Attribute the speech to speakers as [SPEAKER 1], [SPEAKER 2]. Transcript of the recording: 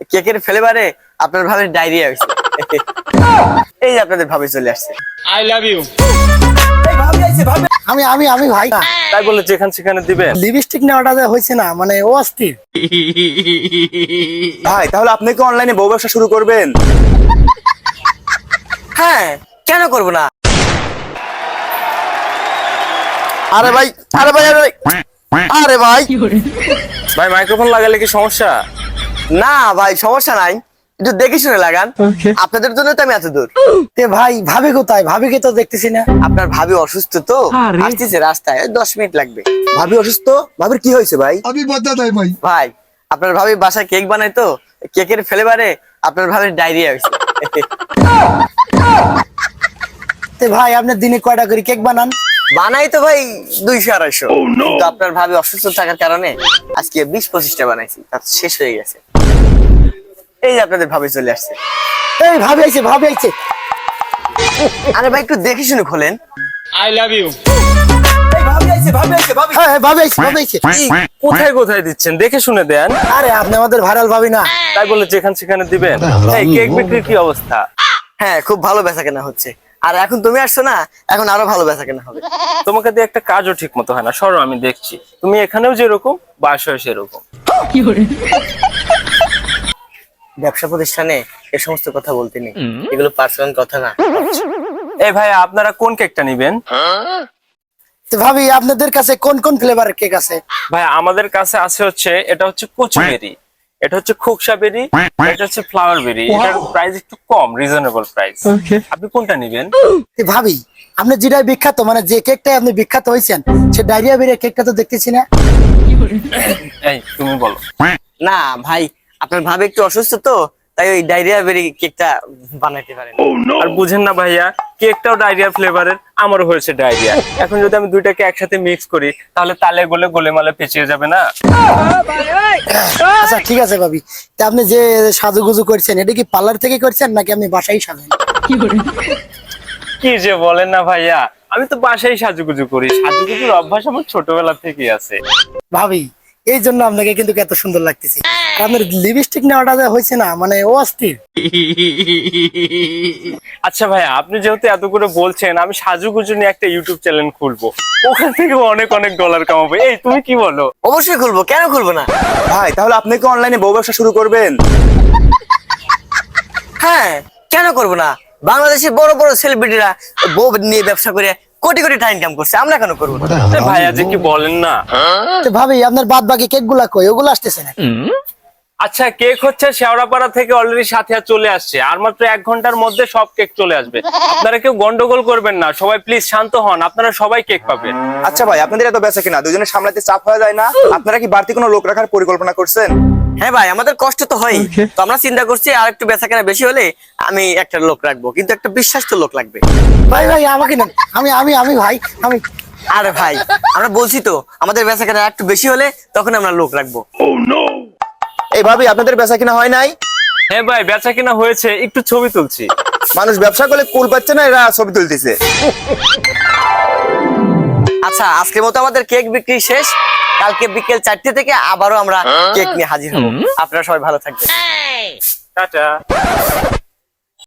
[SPEAKER 1] কেকের ফ্লেভারে আপনার ভাবে ডায়রিয়া হয়েছে। এই যে আপনাদের ভাবে চলে আসছে।
[SPEAKER 2] I love you.
[SPEAKER 3] আমি আমি আমি ভাই
[SPEAKER 2] তাই বলে যেখানে সেখানে দিবেন?
[SPEAKER 3] লিপস্টিক নেওয়াটা যে হয়েছে না, মানে ও অস্থির।
[SPEAKER 4] ভাই তাহলে আপনি কি অনলাইনে বউ ব্যবসা শুরু করবেন?
[SPEAKER 1] হ্যাঁ, কেন করব না?
[SPEAKER 4] আরে ভাই আরে ভাই আরে ভাই আরে ভাই
[SPEAKER 2] ভাই মাইক্রোফোন লাগালে কি সমস্যা?
[SPEAKER 1] না ভাই, সমস্যা নাই, একটু দেখে শুনে লাগান। আপনাদের জন্য তো আমি এত দূর।
[SPEAKER 3] তে ভাই ভাবি কোথায়? ভাবিকে তো দেখতেছি না।
[SPEAKER 1] আপনার ভাবি অসুস্থ তো, আসতেছে রাস্তায়, 10 মিনিট লাগবে।
[SPEAKER 4] ভাবি অসুস্থ? ভাবির কি হয়েছে ভাই?
[SPEAKER 5] अभी बता दे भाई।
[SPEAKER 1] ভাই, আপনার ভাবি বাসায় কেক বানায় তো, কেকের ফ্লেভারে আপনার ভাবির ডায়রিয়া হয়েছে।
[SPEAKER 3] তে ভাই আপনি দিনে কয়টা করে কেক বানান?
[SPEAKER 1] বানাই তো ভাই 200-250, কিন্তু আপনার ভাবি অসুস্থ থাকার কারণে আজকে 20-25টা বানাইছি, তার শেষ হয়ে গেছে। এই যে আপনাদের ভাবি চলে আসছে।
[SPEAKER 3] এই ভাবি আইছে, ভাবি আইছে।
[SPEAKER 1] আরে ভাই একটু দেখে শুনে খোলেন।
[SPEAKER 2] I love you.
[SPEAKER 3] হ্যাঁ ভাবি আইছে, ভাবি আইছে।
[SPEAKER 2] কোথায় কোথায় দিচ্ছেন? দেখে শুনে দেন।
[SPEAKER 3] আরে আপনি আমাদের ভাইরাল ভাবি না?
[SPEAKER 2] তাই বলে যেখানে সেখানে দিবেন? এই কেক বিক্রির কি অবস্থা?
[SPEAKER 1] হ্যাঁ, খুব ভালো বেচাকেনা হচ্ছে। আর এখন তুমি আসছো না, এখন আরো ভালো বেচাকেনা হবে।
[SPEAKER 2] তোমাকে দিয়ে একটা কাজও ঠিক মতো হয় না, সরো আমি দেখছি। তুমি এখানেও যেরকম, বাসায় সেরকম।
[SPEAKER 1] ব্যবসা প্রতিষ্ঠানে এ সমস্ত কথা বলতে নেই, এগুলো পার্সোনাল কথা না।
[SPEAKER 2] এই ভাই আপনারা কোন কেকটা নিবেন?
[SPEAKER 3] তো ভাবি আপনাদের কাছে কোন কোন ফ্লেভারের কেক আছে?
[SPEAKER 2] ভাই আমাদের কাছে আছে হচ্ছে, এটা হচ্ছে কচুবেরি, এটা হচ্ছে খোকসা বেরি, এটা হচ্ছে ফ্লাওয়ার বেরি। এটার প্রাইস একটু কম, রিজনেবল প্রাইস। আপনি কোনটা নিবেন?
[SPEAKER 3] তে ভাবি আপনি যেটাই বিখ্যাত, মানে যে কেকটাই আপনি বিখ্যাত হয়েছেন, সে ডায়রিয়া বেরিয়ে কেকটা তো দেখতেছি না।
[SPEAKER 2] এই তুমি বলো।
[SPEAKER 1] না ভাই, আপনার ভাবে একটু অসুস্থ তো, তাই ওই ডায়রিয়া বেরি কেকটা বানাইতে পারেন।
[SPEAKER 2] আর বুঝেন না ভাইয়া, কেকটাও ডায়রিয়া ফ্লেভারের, আমারও হয়েছে ডায়রিয়া। এখন যদি আমি দুইটাকে একসাথে মিক্স করি, তাহলে তালে গোলে গোলেমালে পেঁচিয়ে যাবে না?
[SPEAKER 3] আচ্ছা ঠিক আছে ভাবি, তা আপনি যে সাজুগুজু করছেন এটা কি পার্লার থেকে করছেন নাকি আপনি বাসায় সাজেন?
[SPEAKER 2] কি যে বলেন না ভাইয়া, আমি তো বাসায় সাজুগুজু করি। সাজুগুজুর অভ্যাস আমার ছোটবেলা থেকেই আছে।
[SPEAKER 3] ভাবি এই জন্য আপনাকে কিন্তু এত সুন্দর লাগতেছে। আর আপনার লিপস্টিক নেওয়াটা যে হয়েছে না, মানে ও অস্থির।
[SPEAKER 2] আচ্ছা ভাইয়া, আপনি যেহেতু এত করে বলছেন, আমি সাজুগুজু নিয়ে একটা ইউটিউব চ্যানেল খুলবো, ওখান থেকে অনেক অনেক ডলার কামাবো। এই তুমি কি বলো?
[SPEAKER 1] অবশ্যই খুলবো, কেন খুলবো না?
[SPEAKER 4] ভাই তাহলে আপনি কি অনলাইনে বউ ব্যবসা শুরু করবেন?
[SPEAKER 1] হ্যাঁ, কেন করবো না? বাংলাদেশের বড় বড় সেলিব্রিটিরা বউ নিয়ে ব্যবসা করে কোটি কোটি টাকা ইনকাম করছে, আমরা কেন করবো না?
[SPEAKER 2] এ ভাইয়া যে কি বলেন না।
[SPEAKER 3] তো ভাবি আপনার বাদ বাকি কেক গুলা কই? ওগুলো আসতেছে না।
[SPEAKER 2] আচ্ছা, কেক হচ্ছে শেওড়াপাড়া থেকে অলরেডি সাথিয়া চলে আসছে, আর মাত্র 1 ঘন্টার মধ্যে সব কেক চলে আসবে। আপনারা কেউ গন্ডগোল করবেন না, সবাই প্লিজ শান্ত হন, আপনারা সবাই কেক পাবেন।
[SPEAKER 4] আচ্ছা ভাই আপনাদের এত বেচা কিনা দুজনে সামলাতে চাপ হয়ে যায় না? আপনারা কি বাড়তি কোনো লোক রাখার পরিকল্পনা করছেন?
[SPEAKER 1] হ্যাঁ ভাই, আমাদের কষ্ট তো হয়, তো আমরা চিন্তা করছি আর একটু বেচাকেনা বেশি হলে আমি একটা লোক রাখবো, কিন্তু একটা বিশ্বাস্ত লোক লাগবে।
[SPEAKER 3] ভাই ভাই আমাকে নেন, আমি আমি আমি ভাই আমি।
[SPEAKER 1] আরে ভাই, আমরা বলছি তো আমাদের বেচাকেনা একটু বেশি হলে তখন আমরা লোক রাখবো।
[SPEAKER 4] এই ভাবি আপনাদের বেচা কিনা হয় নাই?
[SPEAKER 2] হ্যাঁ ভাই, বেচা কিনা হয়েছে, একটু ছবি তুলছি।
[SPEAKER 4] মানুষ ব্যবসা করলে কুল পাচ্ছে না, এরা ছবি তুলতেছে।
[SPEAKER 1] আচ্ছা, আজকের মতো আমাদের কেক বিক্রি শেষ। কালকে বিকেল 4টে থেকে আবারও আমরা কেক নিয়ে হাজির হবো। আপনারা সবাই ভালো থাকবেন।
[SPEAKER 2] টাটা।